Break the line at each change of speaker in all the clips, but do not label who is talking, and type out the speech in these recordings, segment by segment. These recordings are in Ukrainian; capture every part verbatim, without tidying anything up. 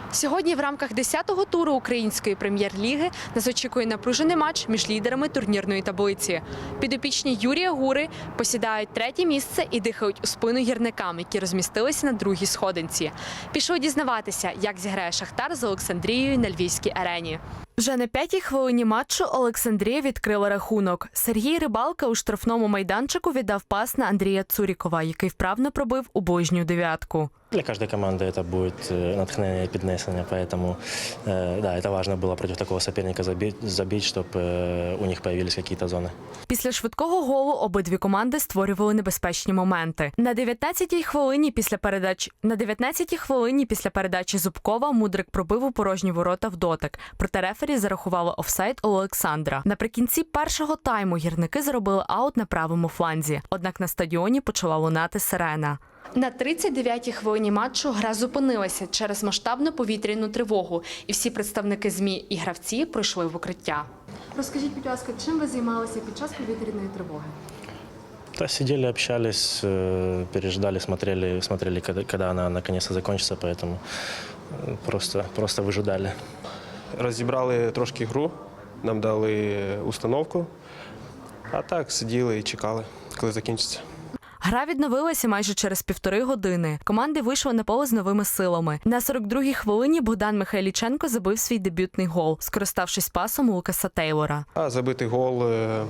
Сьогодні в рамках десятого туру української прем'єр-ліги нас очікує напружений матч між лідерами турнірної таблиці. Підопічні Юрія Гури посідають третє місце і дихають у спину гірникам, які розмістилися на другій сходинці. Пішли дізнаватися, як зіграє Шахтар з Олександрією на Львівській арені. Вже на п'ятій хвилині матчу Олександрія відкрила рахунок. Сергій Рибалка у штрафному майданчику віддав пас на Андрія Цурікова, який вправно пробив у ближню дев'ятку.
Для каждой команды это будет натхнение и піднесення, поэтому э, да, это важно было против такого соперника забить, забить, чтобы э, у них появились какие-то зоны.
Після швидкого голу обидві команди створювали небезпечні моменти. На дев'ятнадцятій хвилині після передач на дев'ятнадцятій хвилині після передачі Зубкова Мудрик пробив у порожні ворота в дотик. Проте рефері зарахувало офсайд у Олександра. Наприкінці першого тайму гірники зробили аут на правому фланзі. Однак на стадіоні почала лунати сирена. На тридцять дев'ятій хвилині матчу гра зупинилася через масштабну повітряну тривогу, і всі представники ЗМІ і гравці пройшли в укриття. Розкажіть, будь ласка, чим ви займалися під час повітряної тривоги?
Да, сидели, общались, э, переждали, смотрели, смотрели, когда, когда она наконец-то закончится, поэтому просто, просто выжидали.
Розібрали трошки гру, нам дали установку, а так сиділи і чекали, коли закінчиться.
Гра відновилася майже через півтори години. Команди вийшли на поле з новими силами. На сорок другій хвилині Богдан Михайліченко забив свій дебютний гол, скориставшись пасом Лукаса Тейлора.
А забитий гол,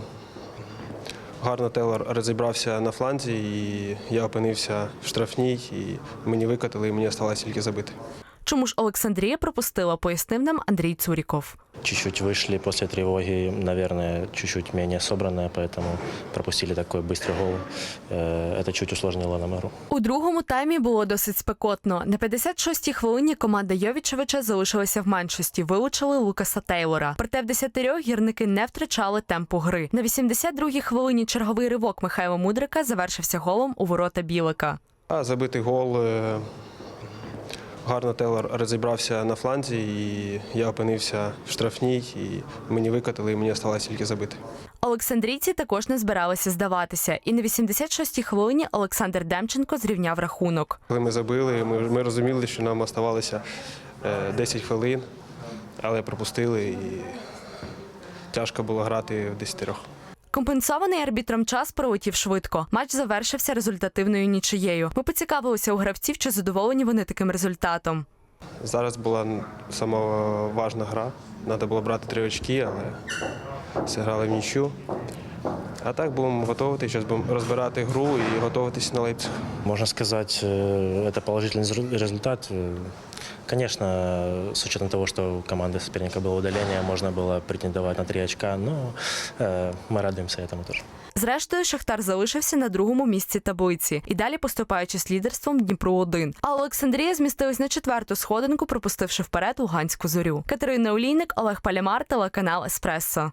гарно Тейлор розібрався на фланзі, і я опинився в штрафній, і мені викатили, і мені залишилося тільки забити.
Чому ж Олександрія пропустила, пояснив нам Андрій Цуріков.
Чуть-чуть вышли после тревоги, наверное, чуть-чуть менее собранные, поэтому пропустили такой быстрый гол. Это чуть усложнило нам игру.
У другому таймі було досить спекотно. На п'ятдесят шостій хвилині команда Йовічевича залишилася в меншості, вилучили Лукаса Тейлора. Проте в десятирьох гірники не втрачали темпу гри. На вісімдесят другій хвилині черговий ривок Михайла Мудрика завершився голом у ворота Білика.
А забитий гол, гарно Тейлор розібрався на фланзі, і я опинився в штрафній, і мені викатили, і мені залишилося тільки забити.
Олександрійці також не збиралися здаватися. І на вісімдесят шостій хвилині Олександр Демченко зрівняв рахунок.
Коли ми забили, ми, ми розуміли, що нам залишилося десять хвилин, але пропустили, і тяжко було грати в десятьох.
Компенсований арбітром час пролетів швидко. Матч завершився результативною нічиєю. Ми поцікавилися у гравців, чи задоволені вони таким результатом.
Зараз була сама важна гра. Треба було брати три очки, але зіграли в нічю. А так будемо готуватися, зараз будемо розбирати гру і готуватися на Лейпциг.
Можно сказать, это положительный результат. Конечно, с учетом того, что у команды соперника было удаление, можно было претендовать на три очка, но мы радуемся этому тоже.
Зрештою, Шахтар залишився на другому місці таблиці і далі поступаючи з лідерством Дніпру один. А Олександрія змістилась на четверту сходинку, пропустивши вперед Луганську Зорю. Катерина Олійник, Олег Палямар, телеканал Еспресо.